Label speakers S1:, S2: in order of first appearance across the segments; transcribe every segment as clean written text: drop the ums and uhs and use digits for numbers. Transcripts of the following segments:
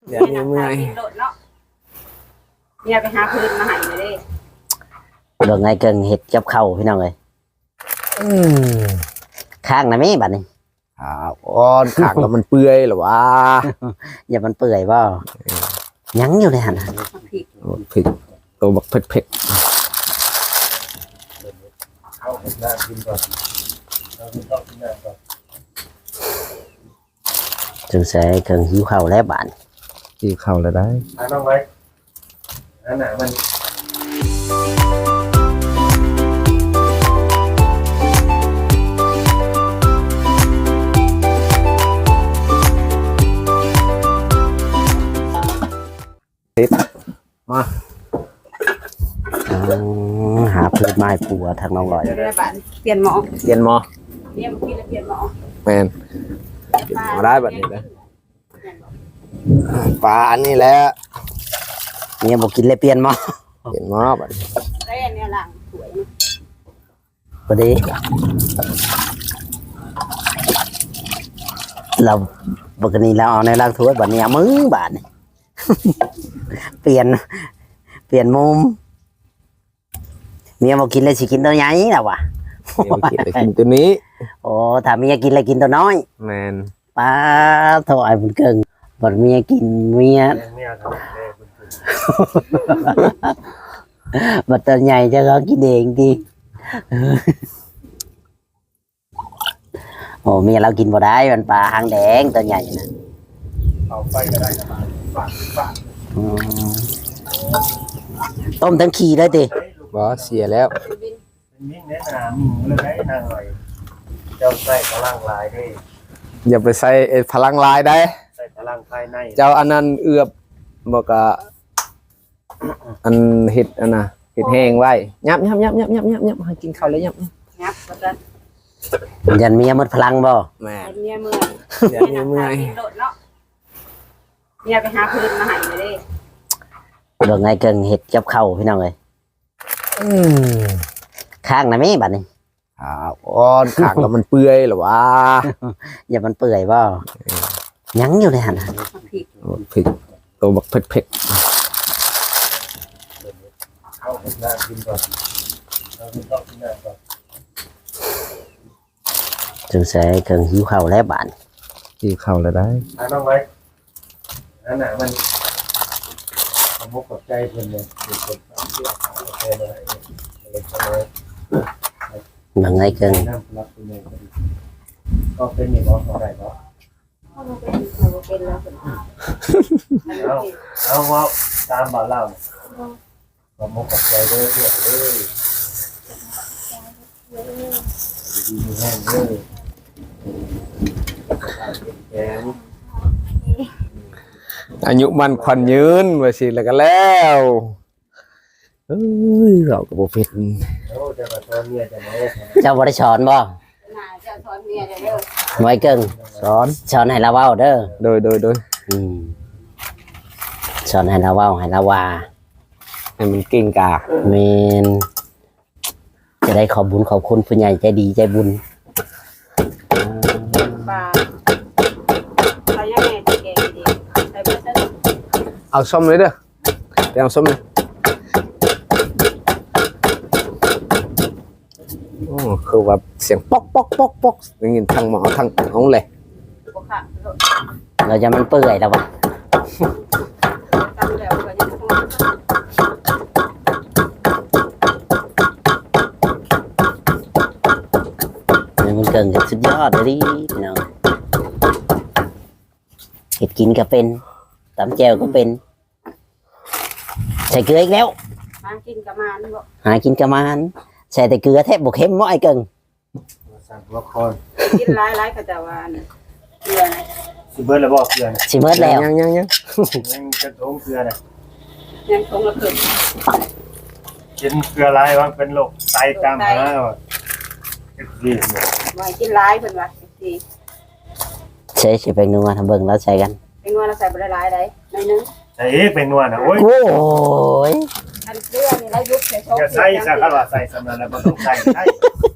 S1: เดี๋ยวนี้เมื่อย
S2: เนี่ยไปหาพื้นมาให้เลยดิ
S3: เรื่องไงเกิงเห็ดกับข้าวพี่น้องเลยข้างนะแม่บัดนี้
S1: อ่อนขากแล้วมันเปื่อยเหรอวะ
S3: อย่ามันเปื่อยบ่ยังอยู่ในหันน่ะ
S1: ผิดตัวบักเผ็ด
S3: จึงใส่เกิงหิวข้าวแล้วบาด
S1: ๆกินข้าวแล้วได้
S4: น้องไว้อันไหนมันมา
S3: หาพืชไม้ปลูกทางน้องลอย
S2: เดี๋ยวได้บ้านเปลี่ยนหมอ
S1: เรียนมอ
S2: เนี่ยเมื่อกี้เราเปลี่ยนหมอ
S1: แมนมาได้แบบนี้นะปลาอันนี้แหละ
S3: เนี่ยบอกกินเลยเปลี่ยนหมอ
S1: เรียนมอแบบนี้
S2: ได้อันเนี้ยหลังสวย
S3: พอดีเราปกติเราเอาในร่างถ้วยบัดนี้เอามือบาดนี่ เปลี่ยนมุมเมียบอกกินเลยสิกินตัวใหญ่แล้ววะ
S1: เดี๋ยวกินไปกินตัวนี้
S3: โอ้ถ้าเมียกินเลยกินตัวน้อย
S1: แมน
S3: ป้าถอยมันเกิงบัดเมียกินเมีย
S4: เนี่ยครับ
S3: บัดตัวใหญ่จะเขากินเองดี โอ้เมียเรากินบ่ได้มันปลาหางแดงตัวใหญ่นะ
S4: เอาไปก็ได้นะฝาก
S3: อืมต้มทั้งขี้เลยติ
S1: บอเสียแล้ว
S4: เป็นมิ่งแนะนำมิ่งเลยได้นางหน่อยเจ้าใส่พลังลายได้
S1: อย่าไปใส่พลังลายได้
S4: ใส่พลังภายใน
S1: เจ้าอันนั้นเอือบบอกกะอันเห็ดอันน่ะเห็ดแห้งไว้ยับให้กินข้าวเลยยับ
S2: งับก็จะ
S3: ยันเมียหมดพลังบ่
S1: แม่
S2: เป็นเนี่ยเมื่อย
S1: เดี๋ยวนี้เมื่อย
S2: โดดเนาะเนี่ยไปหาพื้นมาให้เลยดิ
S3: เรื่องไงเกิงเห็ดกับข้าวพี่น้องเลยข้างนะแม่บัดนี้
S1: อ่อนขากแล้วมันเปื่อยเหรอวะ
S3: อย่ามันเปื่อยบ่ยังอยู่ในหันน่ะ
S1: ผิดตัวบักเผ็ด
S4: เข้าหน้ากินก่อนเราต้องกินหน้าก่อน
S3: จึงใส่เกิงหิวข้าวแล้วบาด
S1: ๆกินข้าวแล้วได้
S4: น้องไว้อันไหนมันสมมติกับใจเพื่อนเลยเป็นคนเชื่อเขาแค่เลยเล็กน้อย
S3: เรื่องไงเกิง
S4: น้ำรับเป็นไงก็เป็นอย่างน้อยเขาได้เพราะ
S2: เป็นแล้ว
S4: เอาว่าตามบ่าวเล่าสมมติกับใจเลยเรียกเลยดีแห้งเลยแข็ง
S1: อายุมันควันยืนว่าสิแล้วก็แล้วเอ้ยเราก็บ่เป็น
S4: โอ้จะมาตอนเมียจะมา
S3: เจ้าบ่ได้สอนบ่
S2: น่าจะสอนเมียเด้อ
S3: ไว้เกิง
S1: สอน
S3: สอนให้เราเว้าเด้อ
S1: โดย
S3: อืมสอนให้เราเว้าให้เราว่า
S1: ให้มันเก่งกา
S3: เมนจะได้ขอบบุญขอบคุณผู้ใหญ่ใจดีใจบุญ
S2: ปลาปลาย่างแม่จะแกงดีใส่เบอร์เซอร์
S1: เอาส้มเลยเด้อไปเอาส้มเลยโอ้คือว่าเสียงป๊อกได้ยินทางหมอทางเอาเลย
S2: พวกค่ะ
S3: เราจะมันเปื่อยแล้ววะ
S2: ตามแล้วก็ยังคง
S3: มันเกินกับสุดยอดเลยดิพี่น้องเห็ดกินก็เป็นตำแจวก็เป็นใส่เกลืออีกแล้ว
S2: มากินกับมันบ่
S3: หากินกระมานใส่แต่เกลือแทบบกเข้มม้อยเกิง
S4: สั่งละคร
S2: กินหลายๆก็จะว่าเกลือนะ
S4: สิเบิร์ดแล้วบอกเกลือนะ
S3: สิเมิดแล้ว
S1: ยัง
S4: ยังจะโถงเกลือนะ
S2: ยังคงละเพิ่ม
S4: กินเกลือไรวะเป็นโรคไตตามหาว่ะดีเนี่ย
S2: ว่ากินหลายเพิ่นว่าสิ
S3: ใช้สิเป็นนัวทำเบิ่งแล้วใส่กัน
S2: เป็นว่าเราใส่บ่ได้หลายได้หน่อยนึง
S4: ใส่เป็นนวลนะโอ้ย
S3: โอ้ย
S2: อันเกลือนี่แล้วยุบใส่โช
S4: อย่าใส่สักขนาดใส่สำนักแล้วมันต้องใส่ใช่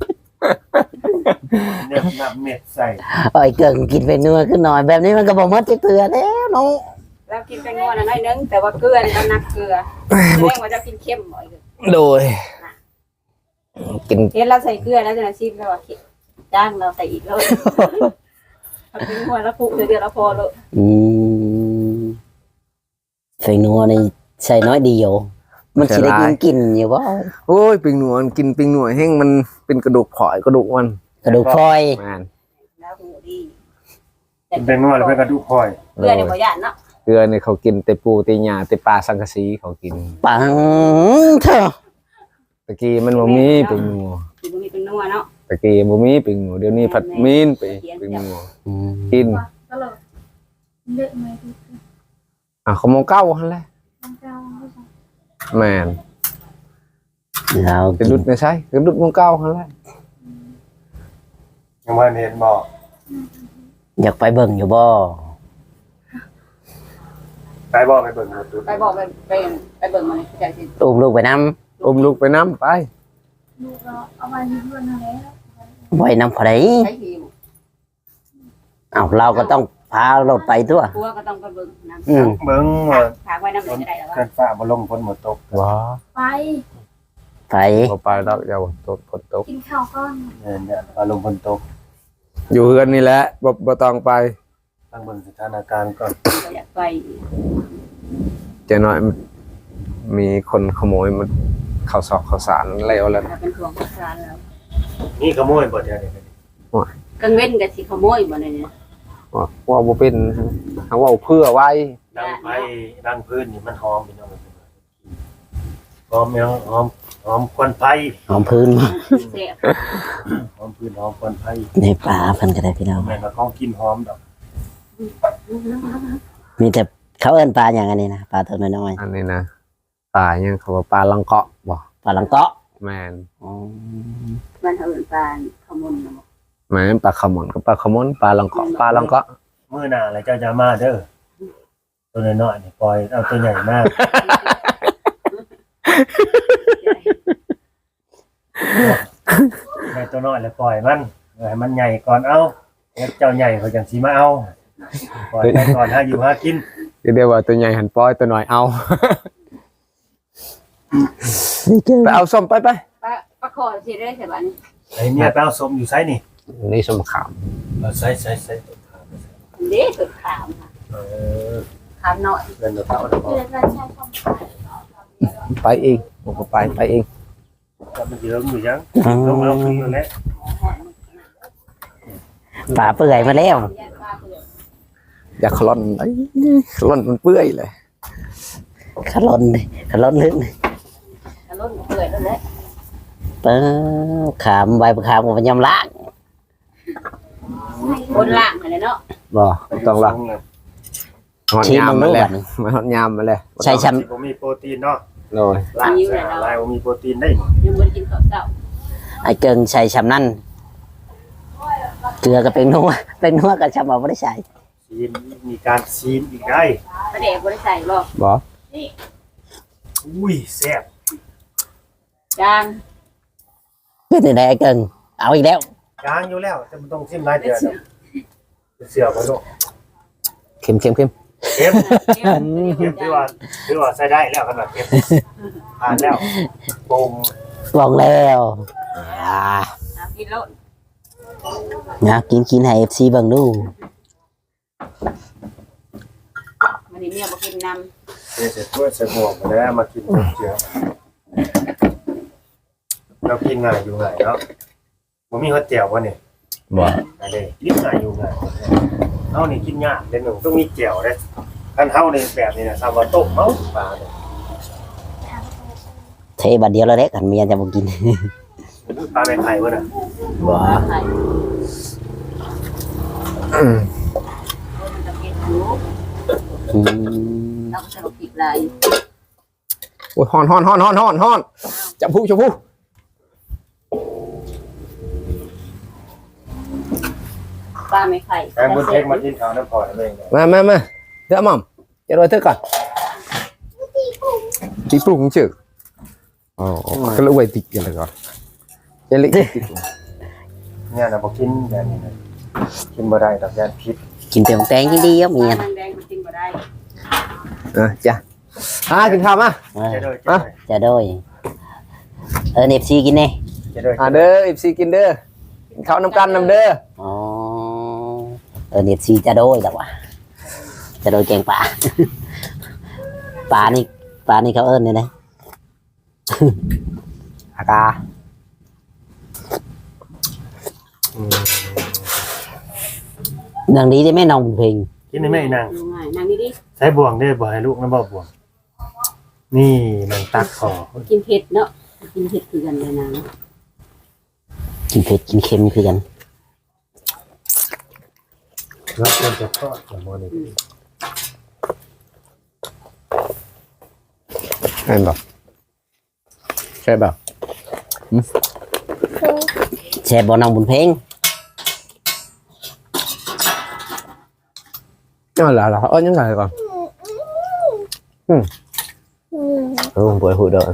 S4: เนี่ยนับเม็ดใส่
S3: ไอ้เกิงกินเป็นนัวขึ้นหน่อยแบบนี้มันก็บอกมัดจะเกลือแล้วน้อง
S2: ลเรากินแป้งนัวน่ะน้อยนึงแต่ว่าเกลือนี่เรานักเกลือแสดงว่าจะกินเค็มบ่อยเลย
S1: โดยกิน
S2: เห็นเราใส่เกลือแล้วจะชิมแล้วว่าจ้างเราใส่อีกแล้วเอาเป็นหัวแล้วปุกเดือดแล้วพอเลย
S3: ใส่นัวนี่ใส่น้อยเดียวมันสิได้กินอยู่บ่
S1: โอ้ยปิงหนวดกินปิงหนวดแห้งมันเป็นกระดูกผอยกระดูกมัน
S3: กระดูกพลอย
S1: แม่น
S2: แล้วหูดี
S4: เป็นนวดแล้วเป็นกระดูกคอย
S2: เกลือเนี่ยบ่ย่านเนาะ
S1: เกลือเนี่ยเขากินแต่ปูแต่หญ้าแต่ปลาสังกะสีเขากิน
S3: ปังเถอะ
S1: ตะกี้มันบ่มีปิงหนวด
S2: กินบ่มีเป็นนัวเนาะ
S1: ตะกี้บ่มีปิงหนวดเดี๋ยวนี้ผัดมีนไปปิงหนวดกิน
S5: ก็เลยเลือกไม่ถูก
S1: เขามองเก้าหั่นแหละ
S5: ต้องเจ้าไม่ใช่
S1: แม่น
S3: เรา
S1: กระดุดไม่ใช่กระดุดมองเก้าหั่นแหละ
S4: ยังว่าเห็นบอก
S3: อยากไปเบิ่งอยู่บ่
S4: ไปบอกไปเบิ่งหมดดู
S2: ไปบอกไปเบิ่งมาเลยใจสิ
S3: อุ้มลูกไปนำ
S1: อมลูกไปน้ำไป
S5: ลูกเราเอาไปที่เพื่อนเอาแล้ว
S3: บ่ให้นำเขาได้
S2: ใช้หิว
S3: อ้าวเราก็ต้องพารถไปตัว
S2: กลัวก็ต้องไปเบิ่งน้
S4: เบิ่งว่า
S2: ำฝากไว้น้ำเลยจะได้แล้วว่า
S4: เกินฟ้าบ่ลงฝนหมดตก
S1: ว้า
S5: ไป
S3: ไป
S1: บ่ไปดอกอย่าบ่ตกฝนตก
S5: กินข้าวก้อน
S4: เนี่ยฟ้าลงฝนตก
S1: อยู่เฮือนนี่แหละบ่ต้องไป
S4: ตั้งเบิ่งสถานการณ์ก่อน
S2: เราอยากไป
S1: เจะน้อยมีคนขโมยมันข้าวซอกข้าวสารแล้วแล้ว
S2: ถ้าเป็นห่วงข้าวสารแล้ว
S4: นี่ขโมยบ่เดี๋ยวนี้
S2: กังเว้นกับสิขโมยบ่เนี่ย
S1: ว่าบ่เป็นเขาว่าเพื่อไว้
S4: ดังไฟดังพื้นนี่มันหอมพี่น้องหอมยังหอมควันไฟ
S3: หอมพื้นมา
S2: เสีย
S4: หอมพื้นหอมควันไฟ
S3: ในป่าเพิ่นก็ได้พี่น้อง
S4: แม่นว่าของกินหอมดอก
S3: มีแต่เขาเอิ้นปลาอย่างอันนี้นะปลาตัวน้อย
S1: อันนี้นะปลายังเขาว่าปลาลังเกาะบ่
S3: ๆปลาลังเกาะ
S1: แม่น
S3: อ๋อ
S2: มันเอาเป็นปลาขมุน
S1: แม่นปลาขมอนกับปลาขมอนปลาลังเกาะปลาลังเกาะ
S4: มื้อหน้าแล้วเจ้าจะมาเด้อตัวน้อยๆนี่ปล่อยเอาตัวใหญ่มากแม่ตัวน้อยแล้วปล่อยมันให้มันใหญ่ก่อนเอาแล้วเจ้าใหญ่เขาจังสิมาเอาปล่อยไปก่อนหาอยู่หากิน
S1: เดี๋ยวว่าตัวใหญ่หันปล่อยตัวน้อยเอา
S3: นี่เจอ
S1: ไปเอาส้มไป
S2: ปลาคอสิได้ใช่ป่ะนี่
S4: ไอ้เมียไปเอาสมอยู่ไสนี่
S1: นี่ส้มขาม
S4: เอาใส่ต้นขา
S2: เด้สุดขามค่ะ ขามหน่อย
S4: เงินเราเอาดอก
S5: เดือนละใช้ความ
S1: ไปเองผมก็ไปเอง
S4: ก็มันเยอะอยู่ยังต้องเอาขึ้นนั่นแหละ
S3: ปลาเปื่อยมาแล้ว
S1: อย่าขล่อนไอ้ขล่อนมันเปื่อยเลย
S3: ขลนลึก
S2: กระล้นเปื่อยแล้วแหละ
S3: เปิ้ขามใบขามกับยำล้าง
S2: บนล่างอะไรเนาะ
S3: บ่
S1: ต้องละหอด
S3: ชี้
S1: ยาม
S3: มึง
S1: มา
S3: รู้
S1: แล้ว
S3: บัดนี้
S1: มาหอดยามมาแล้ว
S3: ใช่ช้
S4: ผมมีโปรตีนเนาะ
S1: โดย
S4: ลายลายผมมีโปรตีนได้
S2: ยังบ่ได้กินข้าวเช้า
S3: ำไอ้เกิงใส่ชำนั่นเกลือกับเป็นนัวกับชำเอาไม่ได้ใส่
S4: ซีนมีการซีนอีกได้
S2: ประเดี๋ยวบ่ได้ใส่บ่
S1: บ่
S4: อุ้ยแซ่บ
S2: จาง
S3: เป็นยังไงไอ้เกิงเอาอีกแล้ว
S4: จางอยู่แล้วแต่มันต้องซิมหลายเดือนเสือมาลูก
S1: เค็ม
S4: เค็ม
S2: เค็ม
S4: เค็มถือว่าใช้ได้แล้วขนาดเค็มผ่านแล้วปรุง
S3: บอกแล้ว
S2: กินแล้ว
S3: นะกินให้ FC เบิ่งดู
S2: วันนี้เมียบ่กินน้
S4: เสร็จด้วยใส่หมวกมาแล้วมากินเจียวเรากินง่ายอยู่ง่ายเนาะผมมีฮอตเจียววะเนี่ย
S1: บ่
S4: อะไรกินง่ายอยู่ง่ายเฮานี่กินยากเดี๋ยวหนึ่งต้องมีเจียวเด้คันเฮาในแบบนี้นะซาวาโต้เมาปลาเนี่ย
S3: เทบัดเดียวแล้วเด้กันเมียจะบ่กิน
S4: ปลาแม่ไข่วะน่ะ
S3: บ่
S2: ำไข่มันจะกินหมู
S3: อืม
S2: เราก็จะกินลาย
S1: โอ้ยฮ้อนจับผู้
S2: ปลาไม่ไข่
S4: แม่บุญเทคมากินข้าวน้ำพอนั่นเอง
S1: มาเดี๋ยวหม่อมจะรอเธอก่อนตีปรุงชื่ออ๋อก็เลยไว้ติดกันเลยก่อนจะเล็ก
S4: เนี่ยนะบ่กินแบบนี้นะกินบ่ได้ดอกยานพิษ
S3: กินแต่ของแตงดีๆเมีย
S2: ปลาแดงมันกินบ่ได้
S1: จ้ะกินข้าวมา
S4: จะโดย
S3: จะโดยเนฟซีกินเน่
S4: จะโดย
S1: เด้ออีซีกินเด้อกินข้าวน้ำกันน้ำเด้อ
S3: อ๋อเนฟซีจะโดยแต่ว่าจะโดยแกงป่า ป่านี่เขาเอิ้นเนี่ยนะ
S1: อากา
S3: นางนี้ได้ไหมน้องบุญเพ็ง
S4: กินได้ไหมนาง
S2: ง่ายนั่งดี
S4: ใช้บ่วงได้บ่ให้ลูกนะบ่บ่วงนี่นางตักขอ
S2: ๆกินเผ็ดเนาะกินเผ็ดคือกันเลยนะ
S3: กินเผ็ดกินเค็มคือกัน
S4: รับเงินจะทอดกับโมนี่
S1: ใช่ป่ะใช่ป่ะ
S3: แช่บอน้องบุญเพ็ง
S1: นั่นแหละเหรอยังไงก่อนป่วยหูเด้อ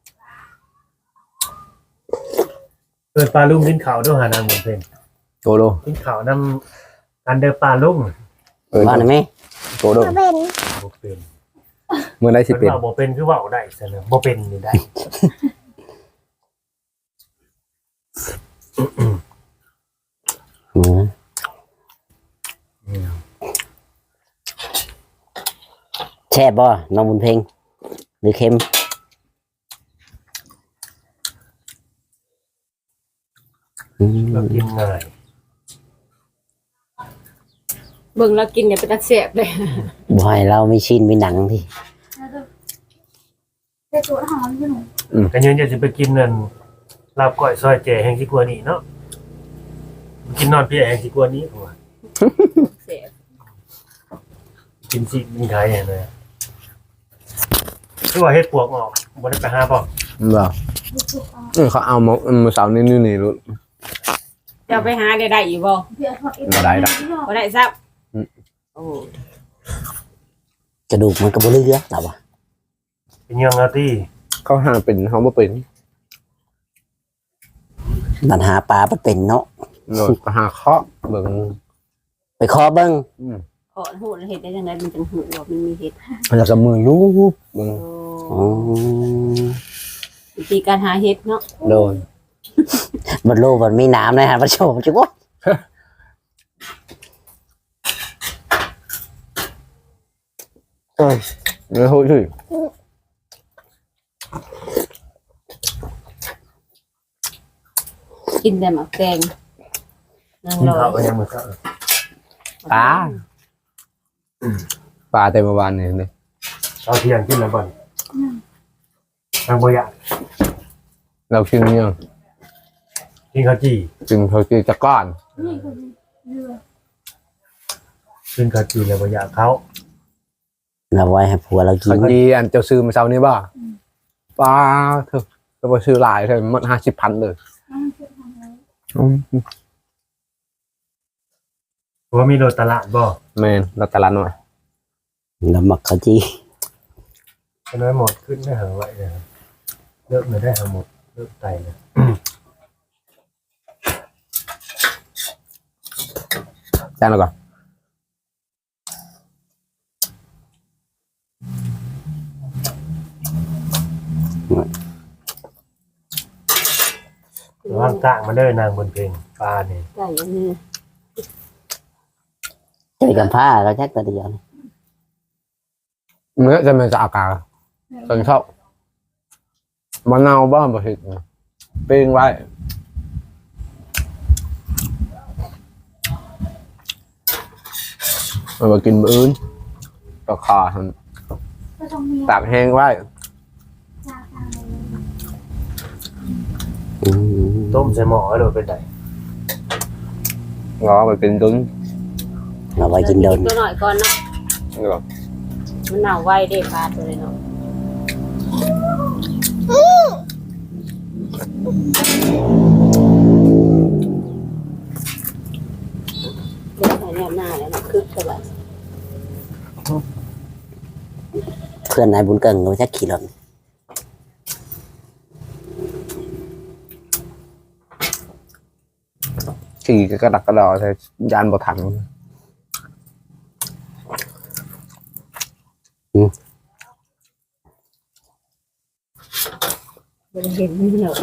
S4: เปิดปลาลุ่มกินข้าวด้วยหานางหมดเพลง
S1: โกโด
S4: กินข้าวนำกันเดอปลาลุ่ม
S3: ว่าหน่อยไหม
S1: โกโด
S4: บ่เป็น
S1: เมื่อไรสิ
S4: เป็น
S1: เป็น
S4: ว่าบ่เป็นคือว่าได้เสนอบ่เป็นนี่ได้
S3: อืมแช่บอน้องบุญเพ็งหรือเค็ม
S4: เรากินง่าย
S2: เบิ่งแล้วกินเนี่ยเป็นตาแซ่บเลย
S3: บ่ให้เราไม่ชินไม่หนังที่
S5: แต่ตัวหอมอยู่หนู
S4: กันยืนจะไปกินนั่นลาบก้อยซอยแจ่แห่งสิกว่านี้เนาะกินนอนเปียแห่งสิกว่านี้ผมว่า
S2: แซ่บ
S4: กินสิกินไข่อย่างเลยคือว่าเฮ็ดปวกออกบ่ได้ไปหาบ่
S1: บ่เขาเอามาเสาร์นี่รู้
S2: จะไปหาได้อีกบ่
S5: เดี๋ยวทอดเอง
S1: บ่ได้ดอก
S2: บ่ได้ซับโอ้
S3: กระดูกมันก็บ่เหลือแต่ว่า
S4: เป็นยังอาที่
S1: เขาหาเป็นเขาบ่เป็น
S3: ปัญหาปลามันเป็นเนาะ
S1: โดนหาเคาะเบิ่ง
S3: ไปขอเบิ้ง
S2: ขอหูเห็ดได้จังไดมันจังหูว่ามันมีเห็ด
S1: แล้วก็มือยุบเบิ่ง
S2: โอ้วิธีการหาเห็ดเนาะ
S1: โดน
S3: มันโลมันมีน้ำนะฮะพระโชมจุ๊บ
S1: ไม่พูดถึง
S2: กินแต่หมักแตงนาง
S4: กิน
S2: รอ
S4: ข้าวก็ยังมื้อเช้า
S1: ปลาเต็มวานนี่เลย
S4: เอาเที่ยงกินแล้วบ่นางบ่อยาก
S1: เรากินเนี่ย
S4: กินข้าวจี่
S1: กินเขากินตะก้อน
S5: นี่คือเรือ
S4: กินข้าวจี่แล้วบ่อยากเขา
S3: เราไว้ให้ผัวเรากิ
S1: เขา
S3: น
S1: จีอันเจ้าซื้อมาเช้านี้บ่ปลาเถอะก็ไปซื้อหลายเถอะมัน50,000เลย
S5: น้ำเชื่อมทำไว้
S4: ว่ามีโรตลาดบ่
S1: แมนเราตลาดหน่อย
S3: น้ำหมักข้าวจี
S4: ก็น้อยหมดขึ้นได้หาไว้เลยเลิกเลยได้หาหมดเลิกไตเลย
S1: จ้างเราก่อน
S4: ว่างกลางมาเด้อนางบนเพลงปลาเนี่ย
S2: ไก่อันนี้
S3: ใส่กันผ้าเราแจ็คตัวเดียวนี่
S1: เมื่อจะมันจะอากาศตอนเข้ามะนาวบ้างบ่เห็ดปิ้งไว้เอามากินมื้ออื่นก็คา
S5: ก็ต้องมี
S1: ตากแห้งไว้
S5: จาตาเลย
S3: อืม
S4: ต้มใส่หม้อให้โดนเป็นได
S1: งอไปเป็นตุ้น
S3: เอาไว้กินโดน
S2: ตัวหน่อยก่อนเนาะ
S1: นี่ก็
S2: มันหนาวไวเด้ปลาตัวเลยเนาะเดี๋ยวใส่แนบหน้าแล้วเนาะคึกสบาย
S3: เพื่อนนายบุญเกิงเราแจ็คขี่รถ
S1: ขี่กระดักกระดอใส่ยานบ่ทัน
S2: บ่ได้เห็นนี่หรอก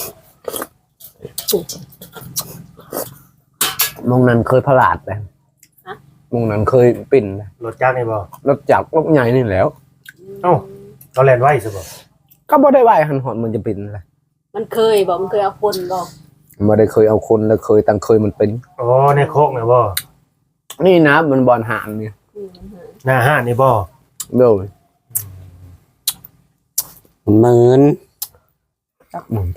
S1: มงนั้นเคยพลาดเลยมงนั้นเคยปิ่นเลย
S4: รถจักรนี่บ่
S1: รถจักรรถใหญ่นี่แหล้ว
S4: เอ้าเราแล่นไว้ซะบ่
S1: ก็บ่ได้ไหวหันหอนมันจะปิ่นเลย
S2: มันเคยบอกมันเคยเอาคนบอก
S1: บ่ได้เคยเอาคนแล้วเคยตั้งเคยมันเป็น
S4: อ๋อในโคกนี่บ่
S1: นี่นะมันบอลหางนี่
S4: หน้าห้านนี่บ่
S1: เลย
S3: หมื่น
S1: จักมึง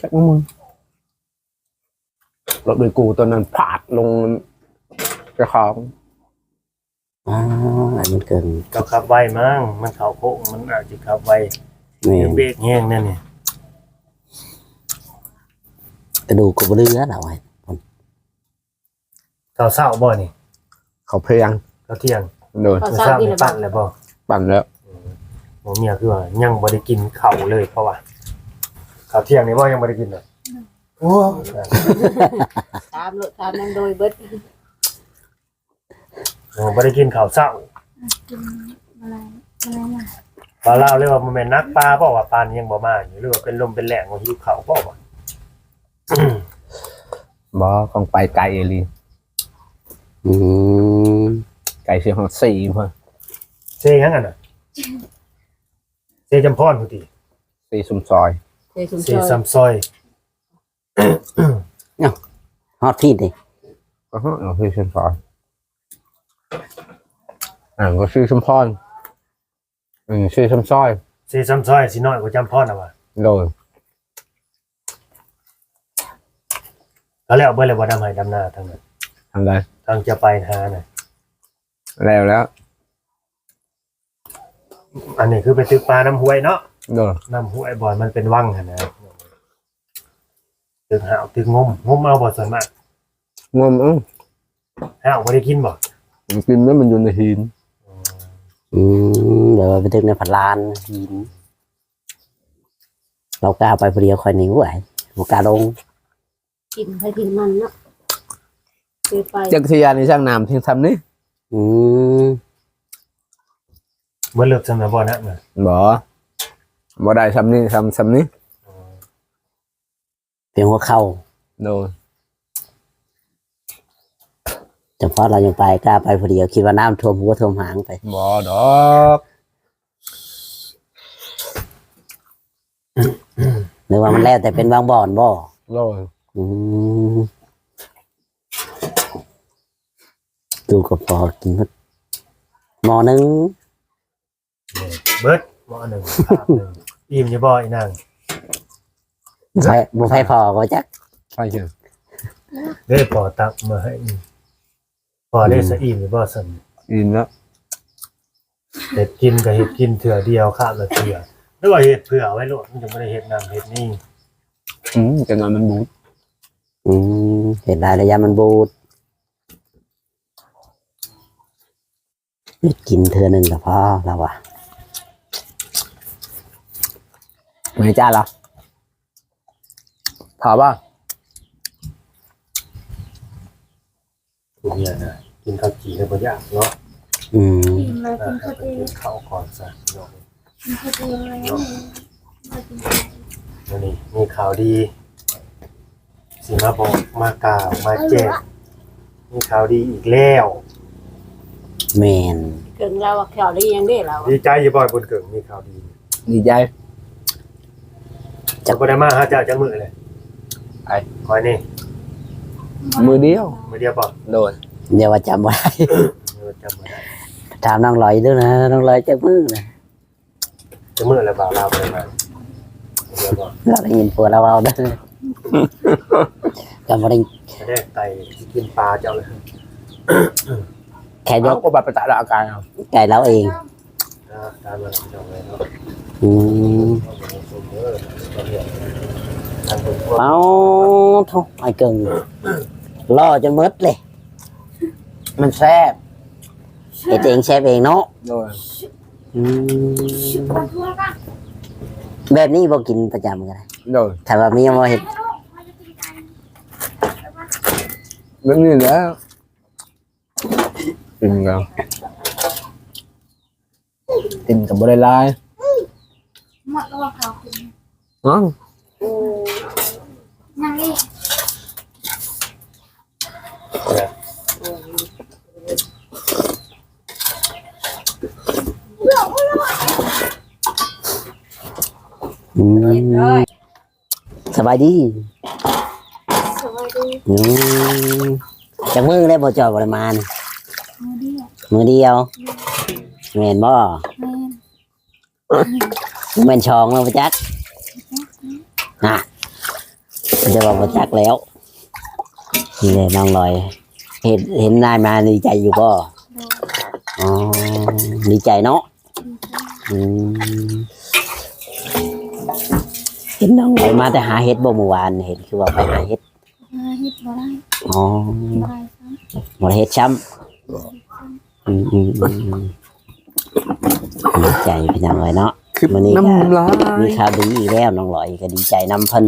S1: รถโดยกูตอนนั้นผาดลงกระของ
S3: อ๋ออันมันเกิน
S4: เราขับไวมั้งมันเข้าโคกมันอาจจะขับไว
S3: แม่น
S4: เบรกแห้งนั่นนี่
S3: กระดูกกระเรือเราไว้
S4: เขาเศร้าบ่นี่
S1: เขาเพียง
S4: เขาเที่ยง
S1: โดน
S2: เขา
S4: เขา
S2: เศร้า
S4: เศร้า
S2: ที่
S4: นี่
S2: ระบา
S4: ปั่
S2: ด
S4: นแล้วบ่
S1: ปั่นแล้ว
S4: ผมเนี่ยคือว่ายังบ่ได้กินข้าวเลยเพราะว่าข้าวเที่ยงนี่บ่ยังบ่ได้กินเลยโอ้
S2: ตามรถตามนั่งโดยเบิด
S4: ยังบ่ได้กินข้าวเช้า
S5: กินอะไรอะไรล่ะ
S4: ปลาลาวเลยว่ามันแม่นนักปลาเพราะว่าปลานี่ยังบ่มาอยู่หรือว่าเป็นลมเป็นแหล่งของหิวข้าวเพราะว่า
S1: บ่ต้องไปไกลเอลี
S3: อืม
S1: ไกลเสียงสี่เพิ่น
S4: เซยังอ่ะน่ะเซจำพรพุติ
S1: สี่ซุมซอย
S2: เคยชุม
S4: เซ
S2: ชน
S4: ซัมซอย
S3: ฮอตพี่ดิ
S1: ก็ฮะเอาสี่ซุมซอยก็สี่ซุมพรสี่ซุมซอย
S4: เซซัมซอยสิน้อยกว่าจำพรน่ะว่า
S1: โดน
S4: ก็แล้วเบิดเลยบ่ดำให้ดำหน้าทั้งนั้น
S1: ทำได้
S4: ทางจะไปหาน่ะ
S1: แล้ว
S4: อันนี้คือไปตึกปลาน้ำห้วยเนาะ
S1: โดน
S4: น้ำห้วยบ่อนมันเป็นวังหั่นนะตึกหาวตึกงมเอาบ่ส่วนมาก
S1: งม
S4: หาวบ่ได้กินบ่
S1: มันกินแล้วมันอยู่ในหิน
S3: อืมเดี๋ยวไปถึงในพันลานหินเรากล้าไปพอดีคอยหนีไหวบุกล้าลง
S2: กินใครกินมันเนาะเคยไป
S1: จักรยานในช่างน้ำที่ทำนี่
S3: อืม
S4: บ่เลิกสำหรับบ่นะน่ะ
S1: บ่ได้ทำนี่ทำนี่
S3: เพียงหัวเข่า
S1: โดน
S3: เฉพาะเรายังไปกล้าไปพอดีคิดว่าน้ำท่วมหัวท่วมหางไป
S1: บ่ดอก
S3: หรือว่ามันแล้วแต่เป็นบางบ่อนบ่
S1: โดน
S3: อืมดูก็พอกินหมอหนึง
S4: เบิดหม้อหนึ่งภาพหนึ่งอิ่มอยู่บ่อีนาง
S3: บุฟเฟ่พอก็จัก
S1: ใช่เชียว
S4: ได้พอตักมาให้อิ่มพอได้สะอิ่มอยู่บ่ซั่น
S1: อินแล้ว
S4: เฮ็ดกินก็เฮ็ดกินเถื่อเดียวข้ามละเถื่อหรือว่าเฮ็ดเผื่อไว้โลดมันจะบ่ได้เฮ็ดนั่นเฮ็ดนี่
S1: จะนอนมันบูด
S3: เห็นได้ระยะมันบูดกินเธอหนึ่งกับพ่อเราอะ
S1: ไม่จ้าเหรอถามว่า
S4: ผู้เนี่ยนะกินข้าวจี่แล้วบ่ยากเนาะ
S5: กินอะไรกิน
S4: ถ้า
S5: ข้าว
S4: ไป
S5: จี่
S4: กินข้าวก่อนซะเนาะ
S5: กินข้าวจี่อะไรเนี่ยมากินข้าวจี่
S4: วันนี้มีข่าวดีสิมาบอกมากล่าวมาแจ้งมีข่าวดีอีกแล้ว
S3: แมน
S2: เกิงเราอะแถวนี้ยังได้เราอะ
S4: ดีใจอยู่บ่อยบนเกิงมีข่าวดี
S1: ดีใจ
S4: จะบ่ได้มาหาเจ้าจังมื้อเลย
S1: ไอ้
S4: คอยนี่
S1: มือเดียว
S4: มื้อเดียวบ่
S1: โดน
S3: เดี๋ยวว่าจำไว้
S4: เดี๋ยวจำบ่ได้
S3: ถามน้องลอยด้วยนะน้องลอยจะมือนะ
S4: จังมื้อแล้วบ่าวลาวบ่ได้มาเดี๋ยวบ่
S3: เราได้ยินผัวเราเอาเด้อจำไม่ได้
S4: จะได้ไตสิกินปลาเจ้าเลย
S3: แค่ย
S1: เขา
S3: ก
S1: ก็บัตรประจาอาการเอา
S3: ไก่เราเอง
S4: ตามมาเจ้าเลยเนาะ
S3: อืม
S4: ทางคนพวก
S3: เอาทุกไอ้เกิงล่อจนมืดเลย
S1: มันแซ่บ
S3: เฮ็ดเองแชฟเองเนาะ
S1: โดน
S3: อืม
S5: มาทั่วกัน
S3: แบบนี้บ่กินประจำกันเลย
S1: โดน
S3: ถ้าว่ามีมาเฮ็ด
S5: มาจะกินกัน
S1: แบบนี้แล้วกินกันกินกับบริลาย
S5: หมดแล้วว่าข้าวกิน
S1: เนาะ
S5: เลย
S3: อื
S2: เรียบร้อ
S3: ม
S2: ย
S3: สบายดี
S5: สวัสดี
S3: อืมจากมือได้บ่จอยประมาณ
S5: มือเดียว
S3: มือเดียวแม่นบ่
S5: แม่น
S3: แม่นชองแล้วบ่จักน่ะจะบอกบ่จักแล้วนี่เลยน้องลอย เห็นนายมาดีใจอยู่บ่
S5: โดน
S3: อ๋อดีใจเนาะ
S5: ดีใจ
S3: อืมเห็นน้องลอยมาแต่หาเห็ดบ่เมื่อวานเห็นคือว่าไปหาเห็ด
S5: มาเฮ็ดบ่ได้
S3: อ๋อ
S5: บ่ได้ซ้ำ
S3: บ่ได้เห็ดช้ำดีใจพี่น้องลอยเนาะ
S1: คือ
S3: มื้อนี้ก็
S1: น้ำลาย
S3: มีข่าวดีอีกแล้วน้องลอยก็ดีใจนำเพิ่น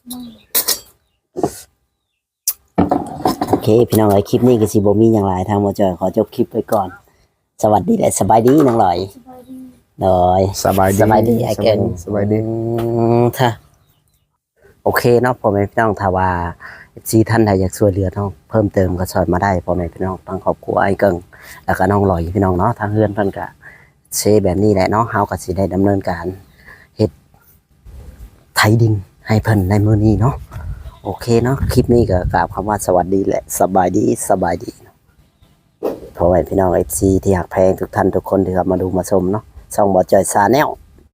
S3: โอเคพี่น้องเอ้ยคลิปนี้ก็สิบ่มีหยังหลายทางบ่จอยขอจบคลิปไว้ก่อน สวัสดีและสบายดีน้องลอย
S5: สบายดี
S3: โดย
S1: สบายดี
S3: สบายดีไอ้เก่ง
S1: สบายดี
S3: ค่ะโอเคเนาะพ่อแม่พี่น้องถ้าว่าซีท่านใดอยากช่วยเหลือน้องเพิ่มเติมก็สอนมาได้พ่อแม่พี่น้องทางครอบครัวไอ้เกิงแล้วก็น้องลอยพี่น้องเนาะทางเฮือนเพิ่นก็เซแบบนี้แหละเนาะเฮาก็สิได้ดำเนินการเฮ็ดไถดินให้เพิ่นในมื้อนี้เนาะโอเคเนาะคลิปนี้ก็กราบคำว่าสวัสดีและสบายดีสบายดีพ่อแม่พี่น้อง FC ที่หักแพงทุกท่านทุกคนที่เข้ามาดูมาชมเนาะช่องบ่จอยชาแนล